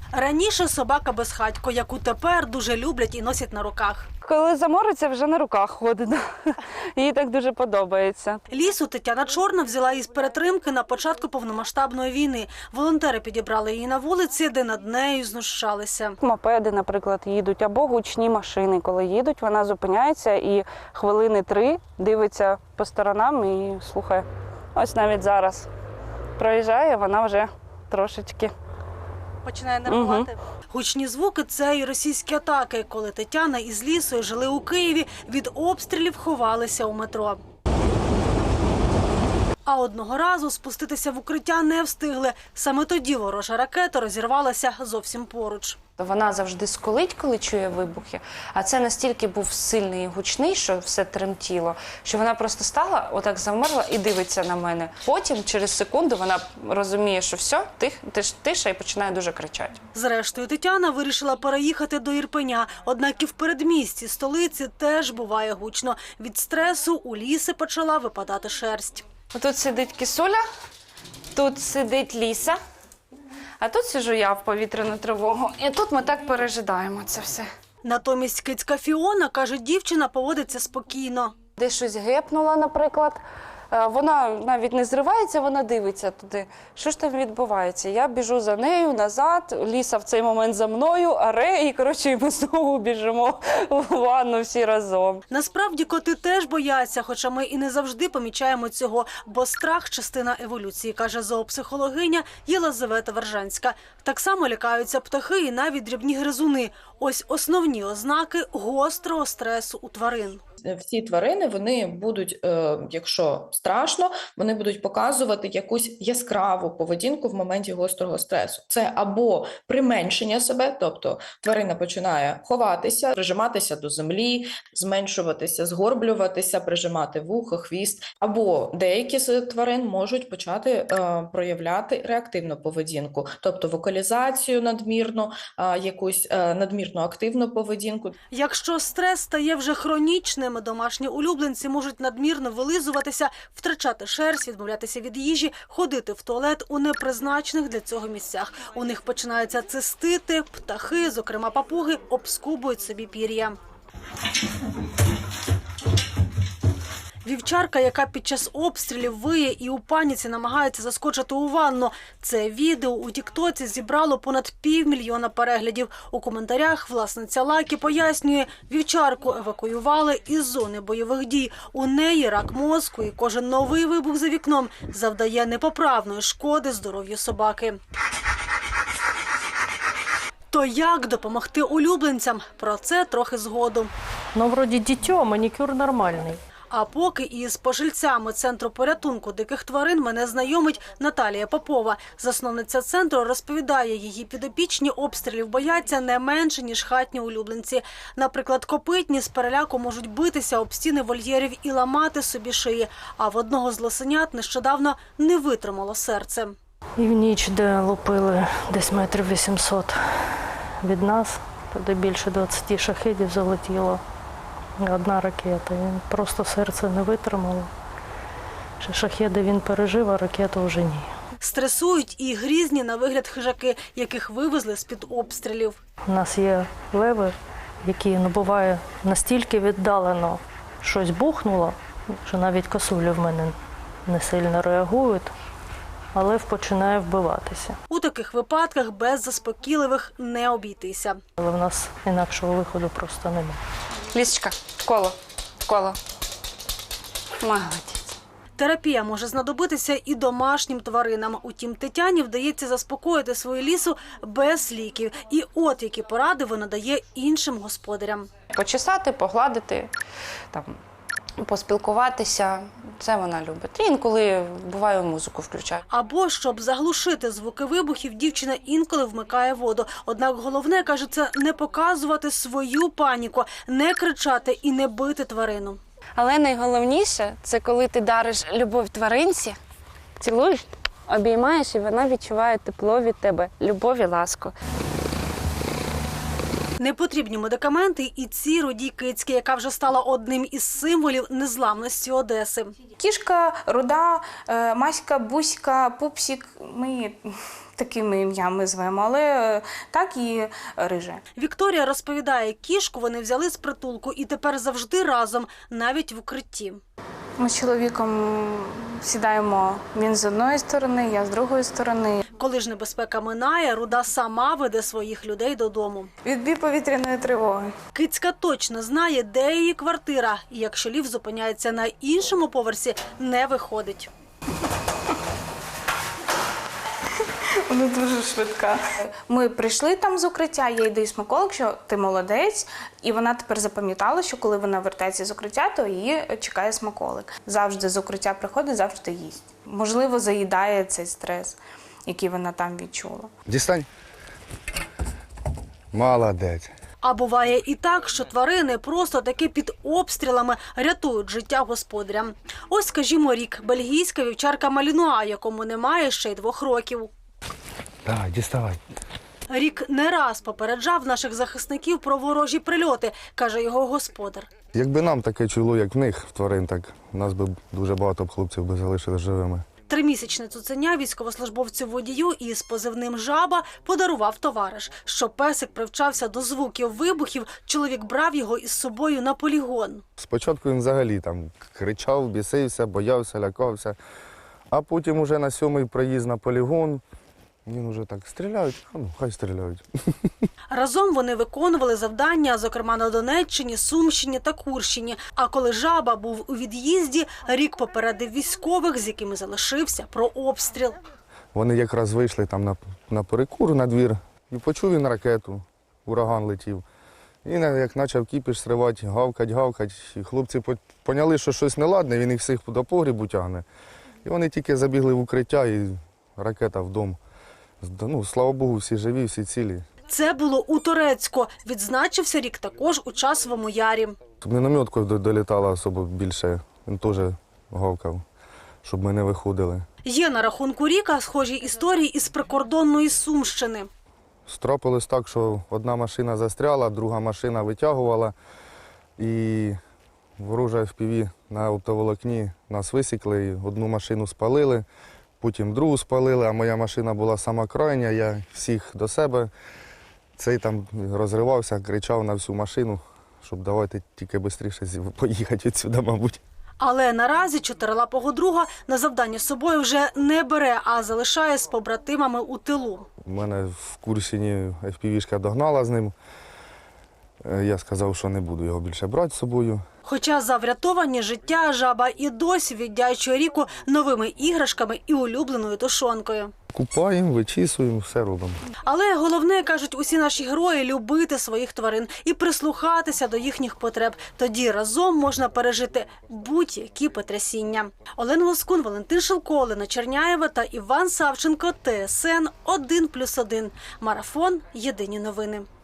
Раніше собака безхатько, яку тепер дуже люблять і носять на руках. Коли замориться, вже на руках ходить. Їй так дуже подобається. Лісу Тетяна Чорна взяла із перетримки на початку повномасштабної війни. Волонтери підібрали її на вулиці, де над нею знущалися. Мопеди, наприклад, їдуть, або гучні машини. Коли їдуть, вона зупиняється і хвилини 3 дивиться по сторонам і слухає. Ось навіть зараз проїжджає, вона вже трошечки Починає нервувати. Гучні звуки – це і російські атаки. Коли Тетяна із Лісою жили у Києві, від обстрілів ховалися у метро. А одного разу спуститися в укриття не встигли. Саме тоді ворожа ракета розірвалася зовсім поруч. Вона завжди скулить, коли чує вибухи, а це настільки був сильний і гучний, що все тремтіло, що вона просто стала, отак завмерла і дивиться на мене. Потім, через секунду, вона розуміє, що все, тиша, і починає дуже кричати. Зрештою, Тетяна вирішила переїхати до Ірпеня. Однак і в передмісті столиці теж буває гучно. Від стресу у Ліси почала випадати шерсть. Тут сидить Кисуля, тут сидить Ліса, а тут сиджу я в повітряну тривогу. І тут ми так пережидаємо це все. Натомість кицька Фіона, каже, дівчина поводиться спокійно. Десь щось гепнула, наприклад, вона навіть не зривається, вона дивиться туди. Що ж там відбувається? Я біжу за нею назад, Ліса в цей момент за мною, і, коротше, ми знову біжимо в ванну всі разом. Насправді коти теж бояться, хоча ми і не завжди помічаємо цього, бо страх – частина еволюції, каже зоопсихологиня Єлизавета Вержанська. Так само лякаються птахи і навіть дрібні гризуни. Ось основні ознаки гострого стресу у тварин. Всі тварини, вони будуть, якщо страшно, вони будуть показувати якусь яскраву поведінку в моменті гострого стресу. Це або применшення себе, тобто тварина починає ховатися, прижиматися до землі, зменшуватися, згорблюватися, прижимати вухо, хвіст. Або деякі з тварин можуть почати проявляти реактивну поведінку, тобто вокалізацію надмірну, якусь надмірну активну поведінку. Якщо стрес стає вже хронічним, домашні улюбленці можуть надмірно вилизуватися, втрачати шерсть, відмовлятися від їжі, ходити в туалет у непризначених для цього місцях. У них починаються цистити, птахи, зокрема папуги, обскубують собі пір'я. Вівчарка, яка під час обстрілів виє і у паніці намагається заскочити у ванну. Це відео у тіктоці зібрало понад 500 000 переглядів. У коментарях власниця Лакі пояснює, вівчарку евакуювали із зони бойових дій. У неї рак мозку і кожен новий вибух за вікном завдає непоправної шкоди здоров'ю собаки. То як допомогти улюбленцям? Про це трохи згодом. Ну, вроді дитё, манікюр нормальний. А поки із пожильцями Центру порятунку диких тварин мене знайомить Наталія Попова. Засновниця центру розповідає, її підопічні обстрілів бояться не менше, ніж хатні улюбленці. Наприклад, копитні з переляку можуть битися об стіни вольєрів і ламати собі шиї. А в одного з лосенят нещодавно не витримало серце. І в ніч, де лупили десь 800 від нас, туди більше 20 шахедів залетіло. Одна ракета. Він просто серце не витримало. Шахеди він пережив, а ракету вже ні. Стресують і грізні на вигляд хижаки, яких вивезли з-під обстрілів. У нас є леви, які, буває, настільки віддалено щось бухнуло, що навіть косулі в мене не сильно реагують, а лев починає вбиватися. У таких випадках без заспокійливих не обійтися. Але в нас інакшого виходу просто немає. Лісочка, коло. Молодець. Терапія може знадобитися і домашнім тваринам. Утім, Тетяні вдається заспокоїти свою Лісу без ліків. І от які поради вона дає іншим господарям. Почесати, погладити, там, поспілкуватися. Це вона любить. І інколи, буває, музику включає. Або, щоб заглушити звуки вибухів, дівчина інколи вмикає воду. Однак головне, каже, це не показувати свою паніку, не кричати і не бити тварину. Але найголовніше – це коли ти дариш любов тваринці, цілуєш, обіймаєш, і вона відчуває тепло від тебе, любов і ласку. Непотрібні медикаменти і ці рудій кицьки, яка вже стала одним із символів незламності Одеси. Кішка, руда, Маська, Буська, Пупсик – ми такими ім'ями звемо, але так і Рижа. Вікторія розповідає, кішку вони взяли з притулку і тепер завжди разом, навіть в укритті. Ми з чоловіком сідаємо, він з одної сторони, я з другої сторони. Коли ж небезпека минає, Руда сама веде своїх людей додому. Відбій повітряної тривоги. Кицька точно знає, де її квартира, і якщо ліфт зупиняється на іншому поверсі, не виходить. Вона дуже швидка. Ми прийшли там з укриття, я йду і смаколик, що ти молодець. І вона тепер запам'ятала, що коли вона вертається з укриття, то її чекає смаколик. Завжди з укриття приходить, завжди їсть. Можливо, заїдає цей стрес, який вона там відчула. Дістань. Молодець. А буває і так, що тварини просто таки під обстрілами рятують життя господарям. Ось, скажімо, Рік, бельгійська вівчарка Малінуа, якому немає ще й 2 років. Давай, діставай. Рік не раз попереджав наших захисників про ворожі прильоти, каже його господар. Якби нам таке чуло, як в них, в тварин, так нас би дуже багато б хлопців би залишили живими. 3-місячне цуценя військовослужбовцю-водію із позивним «Жаба» подарував товариш. Щоб песик привчався до звуків вибухів, чоловік брав його із собою на полігон. Спочатку він взагалі там кричав, бісився, боявся, лякався. А потім уже на 7-й проїзд на полігон, він уже так стріляють, а ну, хай стріляють. Разом вони виконували завдання, зокрема на Донеччині, Сумщині та Курщині. А коли «Жаба» був у від'їзді, Рік попередив військових, з якими залишився, про обстріл. Вони якраз вийшли там на перекур, на двір, і почув він ракету, ураган летів. І як почав кіпіш сривати, гавкать. І хлопці поняли, що щось неладне, він їх всіх до погрібу тягне. І вони тільки забігли в укриття, і ракета в дом. Ну, слава Богу, всі живі, всі цілі. Це було у Торецьку. Відзначився Рік також у Часовому Ярі. Мінометку долітала особо більше, він теж гавкав, щоб ми не виходили. Є на рахунку Ріка схожі історії із прикордонної Сумщини. Трапилось так, що одна машина застряла, друга машина витягувала, і ворожа FPV на оптоволокні нас висікли, і одну машину спалили, потім другу спалили, а моя машина була сама крайня, я всіх до себе. Цей там розривався, кричав на всю машину, щоб давайте тільки швидше поїхати відсюди, мабуть. Але наразі чотирилапого друга на завдання з собою вже не бере, а залишає з побратимами у тилу. У мене в Курщині FPV-шка догнала з ним. Я сказав, що не буду його більше брати з собою. Хоча за врятовані життя «Жаба» і досі віддячує Ріку новими іграшками і улюбленою тушонкою. Купаємо, вичісуємо, все робимо. Але головне, кажуть усі наші герої, любити своїх тварин і прислухатися до їхніх потреб. Тоді разом можна пережити будь-які потрясіння. Олена Лоскун, Валентин Шилко, Олена Черняєва та Іван Савченко. ТСН 1+1. Марафон. Єдині новини.